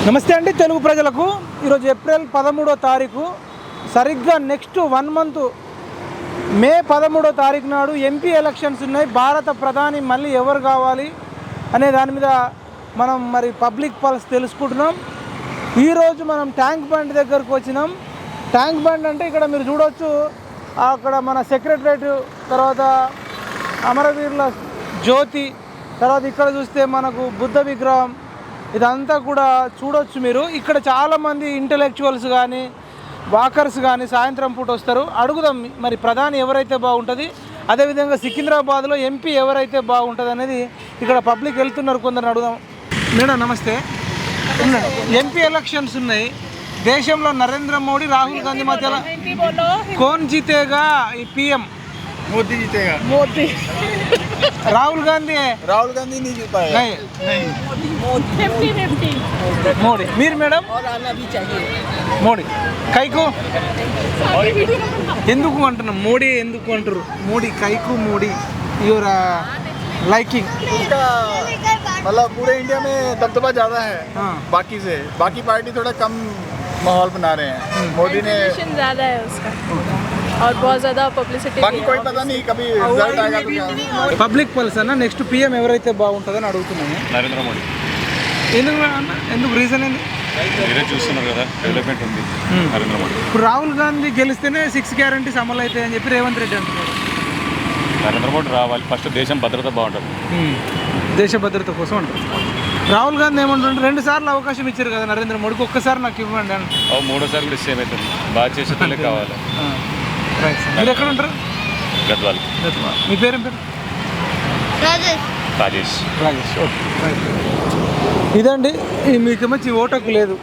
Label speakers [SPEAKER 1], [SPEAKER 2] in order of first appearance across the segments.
[SPEAKER 1] నమస్తే అండి తెలుగు ప్రజలకు. ఈరోజు ఏప్రిల్ 13వ తారీఖు, సరిగ్గా నెక్స్ట్ 1 మంత్ మే 13వ తారీఖు నాడు ఎంపీ ఎలక్షన్స్ ఉన్నాయి. భారత ప్రధాని మళ్ళీ ఎవరు కావాలి అనే దాని మీద మనం పబ్లిక్ పల్స్ తెలుసుకుంటున్నాం. ఈరోజు మనం ట్యాంక్ బండ్ దగ్గరకు వచ్చినాం. ట్యాంక్ బండ్ అంటే ఇక్కడ మీరు చూడవచ్చు, అక్కడ మన సెక్రటరేట్, తర్వాత అమరవీరుల జ్యోతి, తర్వాత ఇక్కడ చూస్తే మనకు బుద్ధ విగ్రహం, ఇదంతా కూడా చూడొచ్చు మీరు. ఇక్కడ చాలామంది ఇంటలెక్చువల్స్ కానీ వాకర్స్ కానీ సాయంత్రం పూట వస్తారు. అడుగుదాం మరి ప్రధాని ఎవరైతే బాగుంటుంది, అదేవిధంగా సికింద్రాబాద్లో ఎంపీ ఎవరైతే బాగుంటుంది అనేది ఇక్కడ పబ్లిక్ వెళ్తున్నారు. కొందరు అడుగుదాం. మేడం నమస్తే. ఎంపీ ఎలక్షన్స్ ఉన్నాయి. దేశంలో నరేంద్ర మోడీ, రాహుల్ గాంధీ మధ్యలో కౌన్ జీతేగా ఈ పీఎం?
[SPEAKER 2] मोदी जीतेगा।
[SPEAKER 1] మోదీ. రాహుల్ గాంధీ
[SPEAKER 2] नहीं जीत पाएगा।
[SPEAKER 1] మోడీ. మీరు మేడం? మోడీ. కైకు ఎందుకు అంటున్నాం? మోడీ ఎందుకు అంటారు? మోడీ కైకు మోడీ యువర్ లైకింగ్?
[SPEAKER 2] मतलब पूरे इंडिया में दबदबा ज़्यादा है बाकी से। बाकी पार्टी थोड़ा कम माहौल बना रहे हैं। मोदी ने
[SPEAKER 3] ज़्यादा है उसका और बहुत ज़्यादा पब्लिसिटी।
[SPEAKER 2] बाकी कोई पता नहीं कभी रिजल्ट आएगा तो क्या।
[SPEAKER 1] పబ్లిక్ పల్స్ అన్న నెక్స్ట్ పీఎం ఎవరైతే బాగుంటుందని అడుగుతున్నాను.
[SPEAKER 4] నరేంద్ర మోడీ.
[SPEAKER 1] ఎందుకు రీజన్ ఏంది?
[SPEAKER 4] మీరే చూస్తున్నారు కదా, డెవలప్మెంట్ ఉంది నరేంద్ర మోడీ.
[SPEAKER 1] ఇప్పుడు రాహుల్ గాంధీ గెలిస్తేనే 6 గ్యారంటీస్ అమలు అవుతాయని చెప్పి రేవంత్ రెడ్డి అంటున్నారు.
[SPEAKER 4] నరేంద్ర మోడీ రావాలి. ఫస్ట్ దేశం భద్రత బాగుంటుంది.
[SPEAKER 1] దేశ భద్రత కోసం అంటారు. రాహుల్ గాంధీ ఏమంటుంటే 2 సార్లు అవకాశం ఇచ్చారు కదా నరేంద్ర మోడీకి, ఒక్కసారి నాకు ఇవ్వండి అని.
[SPEAKER 4] మూడోసారి కూడా సేమ్ అవుతుంది. బాగా చేసేటోళ్ళే కావాలి.
[SPEAKER 1] మీరు ఎక్కడ ఉంటారు?
[SPEAKER 4] గద్వాల్.
[SPEAKER 1] మీ పేరేం పేరు?
[SPEAKER 4] రాజేష్.
[SPEAKER 1] రాజేష్. ఓకే. ఇదండి, మీకు మంచి ఓటకు లేదు.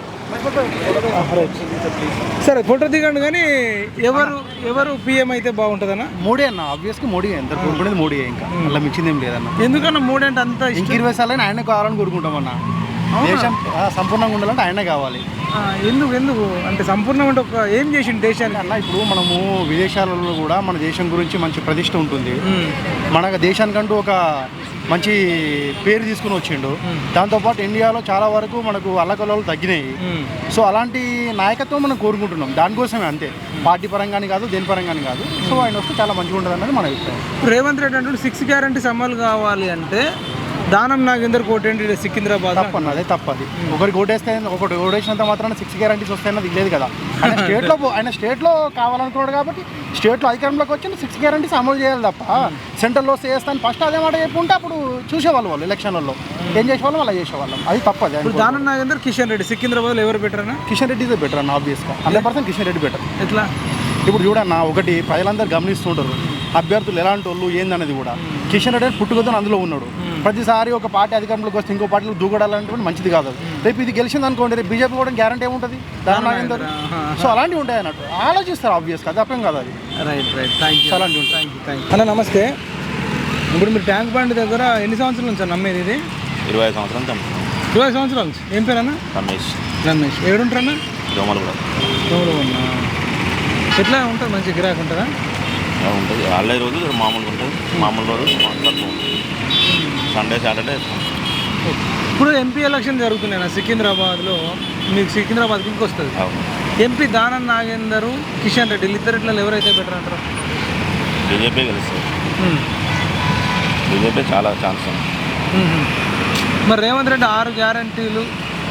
[SPEAKER 1] సరే ఫోటో దిగండి. కానీ ఎవరు పిఎం అయితే బాగుంటుందన్న?
[SPEAKER 2] మోడీ అన్న, ఆబ్వియస్గా మోడీ. ఎంత కోరుకునేది మోడీ, ఇంకా అలా మించింది ఏం లేదన్న.
[SPEAKER 1] ఎందుకన్నా మోడీ అంటే అంత
[SPEAKER 2] ఇంక 20 సార్లు ఆయన కావాలని కోరుకుంటామన్న. దేశం సంపూర్ణంగా ఉండాలంటే ఆయన కావాలి.
[SPEAKER 1] ఎందుకు అంటే సంపూర్ణంగా అంటే ఒక ఏం చేసిండు దేశానికి
[SPEAKER 2] అన్న? ఇప్పుడు మనము విదేశాలలో కూడా మన దేశం గురించి మంచి ప్రతిష్ట ఉంటుంది. మన దేశానికంటూ ఒక మంచి పేరు తీసుకుని వచ్చిండు. దాంతోపాటు ఇండియాలో చాలా వరకు మనకు అల్లకల్లోలు తగ్గినాయి. సో అలాంటి నాయకత్వం మనం కోరుకుంటున్నాం. దానికోసమే, అంతే. పార్టీ పరంగాని కాదు, దేని పరంగాని కాదు. సో ఆయన వస్తే చాలా మంచిగా ఉంటుంది అన్నది మన అభిప్రాయం.
[SPEAKER 1] రేవంత్ రెడ్డి అంటే 6 గ్యారంటీస్ అమలు కావాలి అంటే దానం నాగేందర్ కోటేంటి సికింద్రాబాద్
[SPEAKER 2] తప్పన్న, అదే తప్పది. ఒకరికి ఓటేస్తే ఒకటి ఓటేసినంత మాత్రాన 6 గ్యారంటీస్ వస్తాయన్నది లేదు కదా. ఆయన స్టేట్లో కావాలనుకున్నాడు కాబట్టి స్టేట్లో అధికారంలోకి వచ్చి 6 గ్యారంటీస్ అమలు చేయాలి తప్ప సెంట్రల్లో వస్తే చేస్తాను ఫస్ట్ అదే మాట చెప్పుకుంటే అప్పుడు చూసేవాళ్ళు వాళ్ళు ఎలక్షన్లలో ఏం చేసేవాళ్ళం అలా చేసేవాళ్ళం. అది తప్పది.
[SPEAKER 1] ఇప్పుడు దానం నాగేందర్, కిషన్ రెడ్డి సికింద్రాబాద్లో ఎవరు బెటర్ అన్న?
[SPEAKER 2] కిషన్ రెడ్డి ఇదే బెటర్ అన్న, ఆబ్వియస్గా 100% కిషన్ రెడ్డి బెటర్.
[SPEAKER 1] ఎట్లా?
[SPEAKER 2] ఇప్పుడు చూడన్న, ఒకటి ప్రజలందరూ గమనిస్తుంటారు అభ్యర్థులు ఎలాంటి వాళ్ళు ఏందనేది కూడా. కిషన్ రెడ్డి పుట్టుకతో అందులో ఉన్నాడు. ప్రతిసారి ఒక పార్టీ అధికారంలోకి వస్తే ఇంకో పార్టీలో దూకడాలంటే మంచిది కాదు. రేపు ఇది గెలిచింది అనుకోండి, రేపు బీజేపీ కూడా గ్యారంటీ ఏముంటుంది దాని నాగేందర్. సో అలాంటివి ఉంటాయి అన్నట్టు ఆలోచిస్తారు ఆబ్వియస్గా. అది అర్థం కాదు. అది
[SPEAKER 1] రైట్. Thank you.
[SPEAKER 2] అలాంటివి ఉంటాయి.
[SPEAKER 1] అన్న నమస్తే. ఇప్పుడు మీరు ట్యాంక్ బండ్ దగ్గర ఎన్ని సంవత్సరాల నుంచి అన్న నమ్మేది? ఇది
[SPEAKER 4] 25 సంవత్సరాలు.
[SPEAKER 1] 20 సంవత్సరాల నుంచి. ఏం పేరు అన్న? రమేష్. ఏడుంటారన్నా?
[SPEAKER 4] దోమలు కూడా
[SPEAKER 1] ఉన్నా. ఎట్లా ఉంటుంది? మంచి గిరాకీ ఉంటుందా?
[SPEAKER 4] ఉంటుంది. వాళ్ళ రోజు మామూలుగా ఉంటుంది. మామూలు రోజు తక్కువ ఉంటుంది. Sunday Saturday.
[SPEAKER 1] ఇప్పుడు ఎంపీ ఎలక్షన్ జరుగుతున్నాయి సికింద్రాబాద్లో. మీకు సికింద్రాబాద్కి ఇంకొస్తుంది ఎంపీ దానం నాగేందర్, కిషన్ రెడ్డి, ఇద్దరిట్లో ఎవరైతే బెటర్ అంటారు?
[SPEAKER 4] బీజేపీ గెలుస్తుంది. బీజేపీ చాలా ఛాన్స్ ఉంది.
[SPEAKER 1] మరి రేవంత్ రెడ్డి 6 గ్యారంటీలు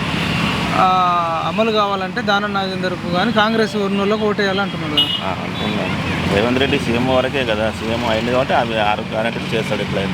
[SPEAKER 1] అమలు కావాలంటే దానం నాగేందర్కు కానీ కాంగ్రెస్ ఉన్నోళ్ళకి ఓటేయాలంటున్నారు కదా.
[SPEAKER 4] అనుకున్నాను. రేవంత్ రెడ్డి సీఎం వరకే కదా, సీఎం అయింది కాబట్టి అవి 6 గ్యారెంటీలు చేస్తాడు. ఎట్లయినా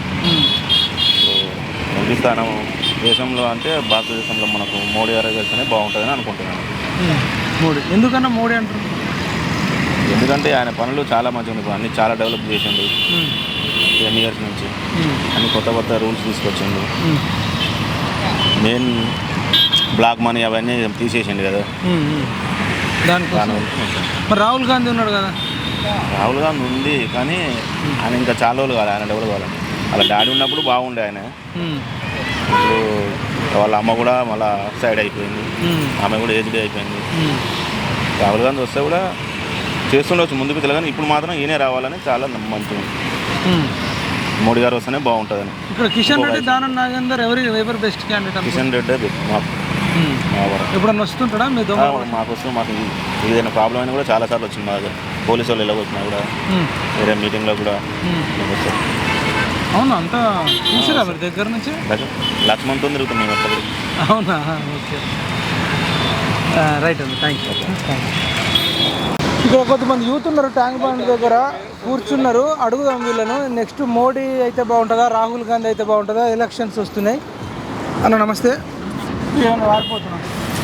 [SPEAKER 4] ఎంపీ స్థానం దేశంలో అంటే భారతదేశంలో మనకు మోడీ గారు చేస్తేనే బాగుంటుందని అనుకుంటున్నాను.
[SPEAKER 1] మోడీ ఎందుకన్నా మోడీ అంటారు?
[SPEAKER 4] ఎందుకంటే ఆయన పనులు చాలా మంచిగా ఉన్నాయి. అన్ని చాలా డెవలప్ చేసిండు. 10 years నుంచి అన్ని కొత్త రూల్స్ తీసుకొచ్చిండు. మెయిన్ బ్లాక్ మనీ అవన్నీ తీసేసిండు కదా.
[SPEAKER 1] దానికోసం మరి రాహుల్ గాంధీ ఉన్నాడు కదా.
[SPEAKER 4] రాహుల్ గాంధీ ఉంది కానీ ఆయన ఇంకా చాలా రోజులు కాదు. ఆయన డెవలప్ కావాలి. వాళ్ళ డాడీ ఉన్నప్పుడు బాగుండే ఆయన. ఇప్పుడు వాళ్ళ అమ్మ కూడా మళ్ళీ సైడ్ అయిపోయింది. ఆమె కూడా ఏజ్డ్ అయిపోయింది. రాహుల్ గాంధీ వస్తే కూడా చేస్తుండవచ్చు ముందుకు తెలియదు, కానీ ఇప్పుడు మాత్రం ఈయనే రావాలని చాలా మంచిగా ఉంది. మోడీ గారు వస్తేనే బాగుంటుందని.
[SPEAKER 1] ఇక్కడ కిషన్ రెడ్డి, దానం నాగేందర్ ఎవరు బెస్ట్ క్యాండిడేట్?
[SPEAKER 4] కిషన్ రెడ్డి మాకు మా వరకు
[SPEAKER 1] ఎప్పుడన్నా వస్తుంటాడా మీ దొంగ
[SPEAKER 4] మాకు వస్తుంది. మాకు ఏదైనా ప్రాబ్లం అయినా కూడా చాలాసార్లు వచ్చింది. మా దగ్గర పోలీసు వాళ్ళు ఎలా వచ్చినా కూడా వేరే మీటింగ్లో కూడా వస్తారు.
[SPEAKER 1] అవునా, అంతా చూసారా మీరు దగ్గర నుంచి?
[SPEAKER 4] లక్ష్మణ్తో తిరుగుతాం మేము అక్కడ.
[SPEAKER 1] అవునా, ఓకే, రైట్ అండి, థ్యాంక్ యూ. ఇక్కడ కొంతమంది యూత్ ఉన్నారు ట్యాంక్ బండ్ దగ్గర కూర్చున్నారు. అడుగుదాం వీళ్ళను. నెక్స్ట్ మోడీ అయితే బాగుంటుందా, రాహుల్ గాంధీ అయితే బాగుంటుందా? ఎలక్షన్స్ వస్తున్నాయి. అన్న నమస్తే. ఏమన్నా వారిపోతున్నాం,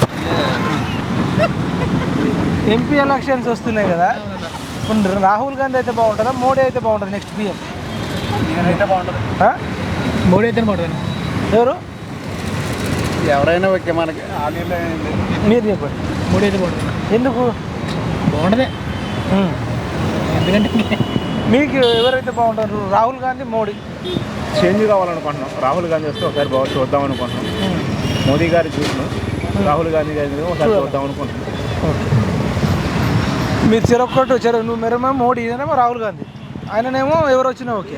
[SPEAKER 1] ఎంపీ ఎలక్షన్స్ వస్తున్నాయి కదా, ఇప్పుడు రాహుల్ గాంధీ అయితే బాగుంటుందా, మోడీ అయితే బాగుంటుంది నెక్స్ట్ పిఎం?
[SPEAKER 2] అయితే బాగుంటుంది.
[SPEAKER 1] మోడీ అయితే బాగుంటుంది. ఎవరు?
[SPEAKER 2] ఎవరైనా ఓకే మనకి.
[SPEAKER 1] మీరు చెప్పండి.
[SPEAKER 5] మోడీ అయితే బాగుంటుంది.
[SPEAKER 1] ఎందుకు
[SPEAKER 5] బాగుంటుంది? ఎందుకంటే
[SPEAKER 1] మీకు ఎవరైతే బాగుంటారు? రాహుల్ గాంధీ, మోడీ?
[SPEAKER 2] చేంజ్ కావాలనుకుంటున్నాం. రాహుల్ గాంధీ వస్తే ఒకసారి బాగా చూద్దాం అనుకుంటున్నాం. మోదీ గారి చూసినాం, రాహుల్ గాంధీ గారిని ఒకసారి చూద్దాం అనుకుంటున్నాం.
[SPEAKER 1] మీరు చెరొక్కటి నువ్వు మెరమో మోడీ, ఇదేనేమో రాహుల్ గాంధీ, ఆయననేమో ఎవరు వచ్చినా ఓకే.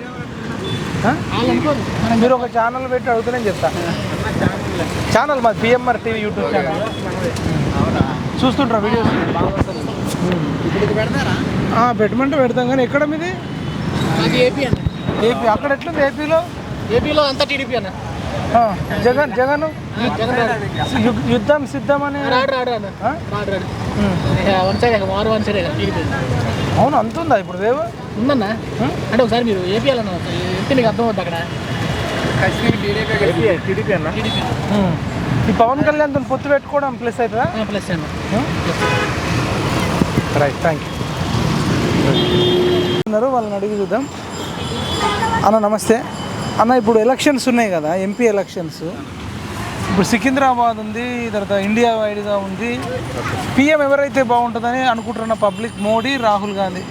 [SPEAKER 1] మీరు ఒక ఛానల్ పెట్టి అడుగుతూనే చెప్తా. ఛానల్ మాది పిఎంఆర్ టీవీ యూట్యూబ్ ఛానల్. చూస్తుంటారా వీడియోస్? పెట్టమంటే పెడతాం, కానీ ఎక్కడ మీది?
[SPEAKER 5] ఏపీ అన్న.
[SPEAKER 1] ఏపీ. అక్కడ ఎట్లుంది ఏపీలో?
[SPEAKER 5] ఏపీలో అంతా టీడీపీ అన్న.
[SPEAKER 1] జగన్ యుద్ధం సిద్ధమని.
[SPEAKER 5] రాడు one side, one side TDP.
[SPEAKER 1] అవును, అంతుందా ఇప్పుడు వేవ్?
[SPEAKER 5] ఉందన్న. అంటే ఒకసారి మీరు ఏపీ వెళ్ళన్న ఎంత మీకు అర్థం అవుతుంది అక్కడ.
[SPEAKER 2] టీడీపీ అన్న.
[SPEAKER 1] ఈ పవన్ కళ్యాణ్ తో పొత్తు పెట్టుకోవడం ప్లస్ అవుతుందా?
[SPEAKER 5] ప్లస్ అన్న.
[SPEAKER 1] Right, thank you. వాళ్ళని అడిగి చూద్దాం. అన్న నమస్తే. అన్న, ఇప్పుడు ఎలక్షన్స్ ఉన్నాయి కదా, ఎంపీ ఎలక్షన్స్. ఇప్పుడు సికింద్రాబాద్ ఉంది, తర్వాత ఇండియా వైడ్గా ఉంది. పిఎం ఎవరైతే బాగుంటుందని అనుకుంటున్న పబ్లిక్, మోడీ, రాహుల్ గాంధీ?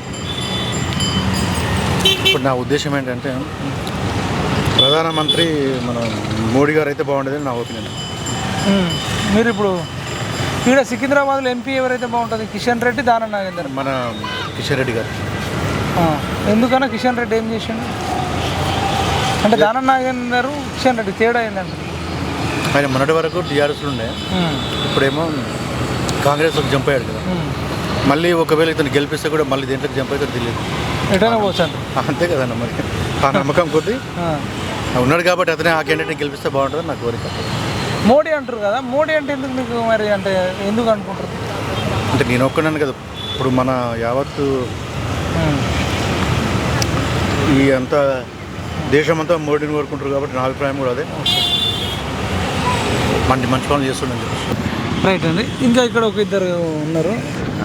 [SPEAKER 2] ఇప్పుడు నా ఉద్దేశం ఏంటంటే ప్రధానమంత్రి మన మోడీ గారు అయితే బాగుంటుందని నా ఒపీనియన్.
[SPEAKER 1] మీరు ఇప్పుడు ఇక్కడ సికింద్రాబాద్లో ఎంపీ ఎవరైతే బాగుంటుంది? కిషన్ రెడ్డి, దానం నాగేందర్?
[SPEAKER 2] మన కిషన్ రెడ్డి గారు.
[SPEAKER 1] ఎందుకన్నా కిషన్ రెడ్డి ఏం చేసిండు? అంటే దానం నాగేందర్, కిషన్ రెడ్డి తేడా ఏంటంటే?
[SPEAKER 2] ఆయన మొన్నటి వరకు టీఆర్ఎస్లో ఉండే, ఇప్పుడేమో కాంగ్రెస్లోకి జంప్ అయ్యాడు కదా. మళ్ళీ ఒకవేళ ఇతను గెలిపిస్తే కూడా మళ్ళీ దేంట్లోకి జంప్ అవుతాడు తెలియదు.
[SPEAKER 1] ఎటైనా పోచాను.
[SPEAKER 2] అంతే కదన్న, మరి ఆ నమ్మకం కొద్దీ ఉన్నాడు కాబట్టి అతనే ఆ క్యాండిడేట్ని గెలిపిస్తే బాగుంటుంది నా కోరిక.
[SPEAKER 1] మోడీ అంటారు కదా, మోడీ అంటే ఎందుకు మీకు మరి, అంటే ఎందుకు అనుకుంటారు?
[SPEAKER 2] అంటే నేను ఒక్కడాను కదా, ఇప్పుడు మన యావత్తు ఈ అంతా దేశమంతా మోడీని కోరుకుంటారు కాబట్టి నా అభిప్రాయం కూడా అదే. మంచి పనులు చేస్తుండని చెప్పి.
[SPEAKER 1] రైట్ అండి. ఇంకా ఇక్కడ ఒక ఇద్దరు ఉన్నారు.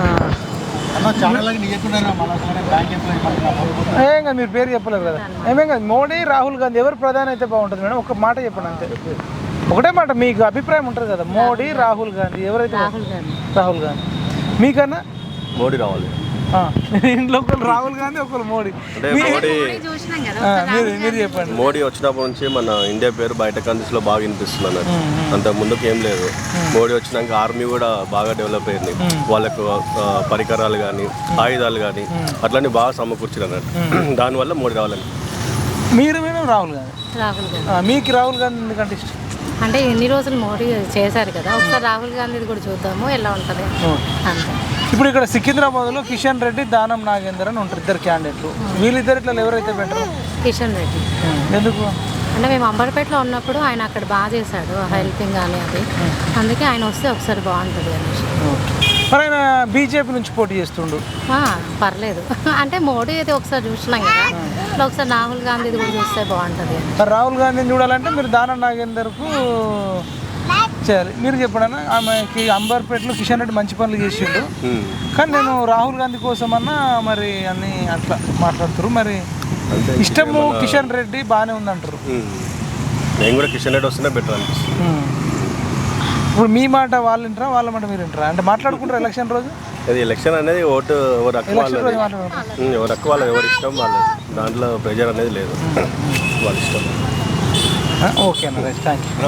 [SPEAKER 1] ఏం కాదు, మీరు పేరు చెప్పలేరు కదా. ఏమేం కాదు, మోడీ, రాహుల్ గాంధీ ఎవరు ప్రధాని అయితే బాగుంటుంది మేడం? ఒక మాట చెప్పండి అంతే, ఒకటే మాట. మీకు అభిప్రాయం ఉంటుంది కదా, మోడీ, రాహుల్ గాంధీ ఎవరైతే? రాహుల్ గాంధీ. మీకన్నా
[SPEAKER 4] మోడీ రావాలి.
[SPEAKER 1] ఇంట్లో ఒకరు రాహుల్ గాంధీ, ఒకరు మోడీ.
[SPEAKER 6] అంటే మోడీ
[SPEAKER 1] మీరు చెప్పండి.
[SPEAKER 6] మోడీ వచ్చినప్పటి నుంచి మన ఇండియా పేరు బయట కంట్రీస్లో బాగా వినిపిస్తుంది అన్నట్టు. అంత ముందుకు ఏం లేదు. మోడీ వచ్చినాక ఆర్మీ కూడా బాగా డెవలప్ అయింది. వాళ్ళకు పరికరాలు కానీ, ఆయుధాలు కానీ అట్లనే బాగా సమకూర్చారు అన్నట్టు. దానివల్ల మోడీ రావాలని.
[SPEAKER 1] మీరు రాహుల్ గాంధీ. మీకు రాహుల్ గాంధీ ఎందుకంటే ఇష్టం?
[SPEAKER 7] అంటే ఎన్ని రోజులు మోడీ చేశారు కదా, ఒకసారి రాహుల్ గాంధీది కూడా చూద్దాము ఎలా ఉంటుంది అంతే.
[SPEAKER 1] ఇప్పుడు ఇక్కడ సికింద్రాబాద్లో కిషన్ రెడ్డి, దానం నాగేందర్ అని ఉంటారు, ఇద్దరు క్యాండిడేట్లు. వీళ్ళిద్దరిట్లో ఎవరైతే బెటర్?
[SPEAKER 7] కిషన్ రెడ్డి.
[SPEAKER 1] ఎందుకు
[SPEAKER 7] అంటే మేము అంబర్పేటలో ఉన్నప్పుడు ఆయన అక్కడ బాగా చేశాడు, హెల్పింగ్ కానీ అది, అందుకే ఆయన వస్తే ఒకసారి బాగుంటుంది అనేసి.
[SPEAKER 1] మరి ఆయన బీజేపీ నుంచి పోటీ చేస్తుండు.
[SPEAKER 7] పర్లేదు. అంటే మోడీ అయితే ఒకసారి చూసినాం కదా, ఒకసారి రాహుల్ గాంధీది కూడా చూస్తే బాగుంటుంది.
[SPEAKER 1] మరి రాహుల్ గాంధీని చూడాలంటే మీరు దానం నాగేందర్కు చేయాలి. మీరు చెప్పడన్నా, ఆమెకి అంబర్పేటలో కిషన్ రెడ్డి మంచి పనులు చేసిండు, కానీ నేను రాహుల్ గాంధీ కోసం అన్నా మరి అన్ని అట్లా మాట్లాడుతారు. మరి ఇష్టము కిషన్ రెడ్డి బాగానే ఉందంటారు.
[SPEAKER 6] నేను కూడా కిషన్ రెడ్డి వస్తేనే బెటర్ అనిపిస్తుంది.
[SPEAKER 1] ఇప్పుడు మీ మాట వాళ్ళు వింటారా, వాళ్ళ మాట మీరు వింటారా? అంటే మాట్లాడుకుంటారు ఎలక్షన్ రోజు?
[SPEAKER 6] అది ఎలక్షన్ అనేది ఓటు ఎవరు ఎక్కువ ఎవరు ఎక్కువ వాళ్ళు ఎవరి ఇష్టం వాళ్ళు, దాంట్లో ప్రెజర్ అనేది లేదు, వాళ్ళ ఇష్టం.
[SPEAKER 1] ఓకే అన్న, రైట్, థ్యాంక్ యూ.